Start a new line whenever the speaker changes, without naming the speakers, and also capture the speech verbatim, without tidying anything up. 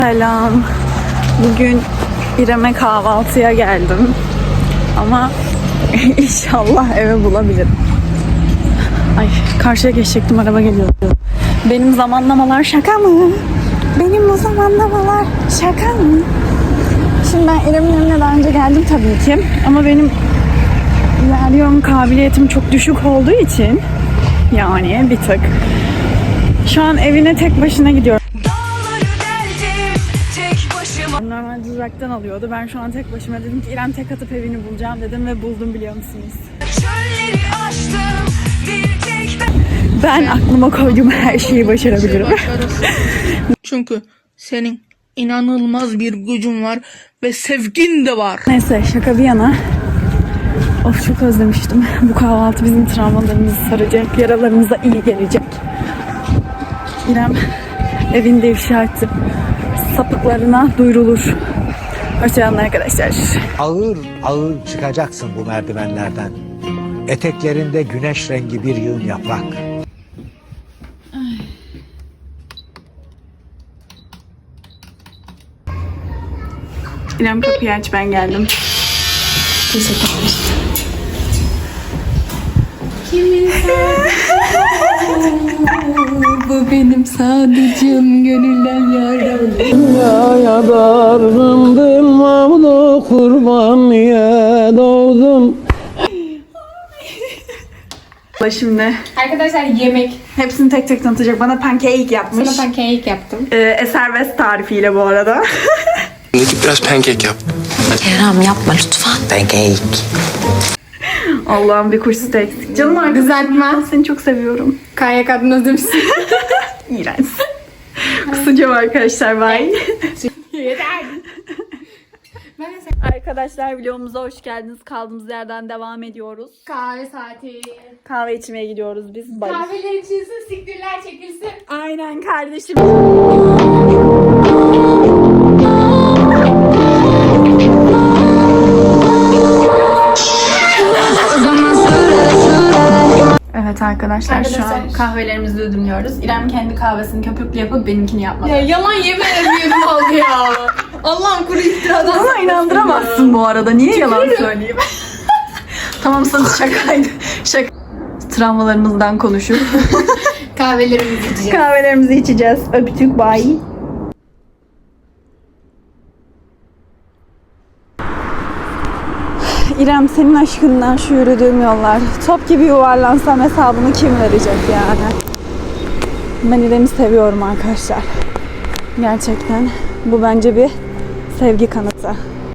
Selam. Bugün İrem'e kahvaltıya geldim. Ama inşallah eve bulabilirim. Ay, karşıya geçecektim, araba geliyordu. Benim zamanlamalar şaka mı? Benim bu zamanlamalar şaka mı? Şimdi ben İrem'in evine daha önce geldim tabii ki. Ama benim ilerliyorum kabiliyetim çok düşük olduğu için yani bir tık. Şu an evine tek başına gidiyorum. Normalde uzaktan alıyordu. Ben şu an tek başıma dedim ki İrem tek atıp evini bulacağım dedim ve buldum, biliyor musunuz? Ben aklıma koyduğum her şeyi başarabilirim.
Çünkü senin inanılmaz bir gücün var ve sevgin de var.
Neyse, şaka bir yana. Of, çok özlemiştim. Bu kahvaltı bizim travmalarımızı saracak, yaralarımıza iyi gelecek. İrem evinde ifşa etti. Sapıklarına duyurulur. Hoşçakalın arkadaşlar.
Ağır ağır çıkacaksın bu merdivenlerden. Eteklerinde güneş rengi bir yığın yaprak.
İrem kapıyı aç, ben geldim. Teşekkürler.
Kimin bu benim sadıcım, gönülden yaram.
Dünyaya dargındım, mavlu kurban niye doğdum?
Şimdi
Arkadaşlar yemek.
hepsini tek tek tanıtacak. Bana pancake yapmış.
Sana pancake yaptım.
Ee, Eser West tarifiyle bu arada.
Gidip biraz pankek yap.
Kerem yapma lütfen. Pancake.
Allah'ım, bir kursu da eksik. Canım arkadaşım,
Kızartma.
ben seni çok seviyorum.
K Y K'dan özlemişsin.
İğrenç. Kusacağım arkadaşlar, bye.
Yeter.
Arkadaşlar, vlogumuza hoş geldiniz. Kaldığımız yerden devam ediyoruz.
Kahve saati.
Kahve içmeye gidiyoruz biz. Bye.
Kahveler içilsin, siktirler çekilsin.
Aynen kardeşim. Evet arkadaşlar, şu an
Arkadaşlar.
kahvelerimizi ödümlüyoruz. İrem kendi kahvesini köpüklü yapıp benimkini yapmadı.
Ya yalan yemin ediyorum oldu ya. Allah'ım kuru iftiradan.
Bana inandıramazsın bu arada. Niye yalan söyleyeyim? Tamam, sana şakaydı. Şaka. Travmalarımızdan konuşup
Kahvelerimizi içeceğiz.
kahvelerimizi içeceğiz. Öptük, bye. İrem, senin aşkından şu yürüdüğüm yollar. Top gibi yuvarlansam hesabını kim verecek yani? Ben İrem'i seviyorum arkadaşlar. Gerçekten. Bu bence bir sevgi kanıtı.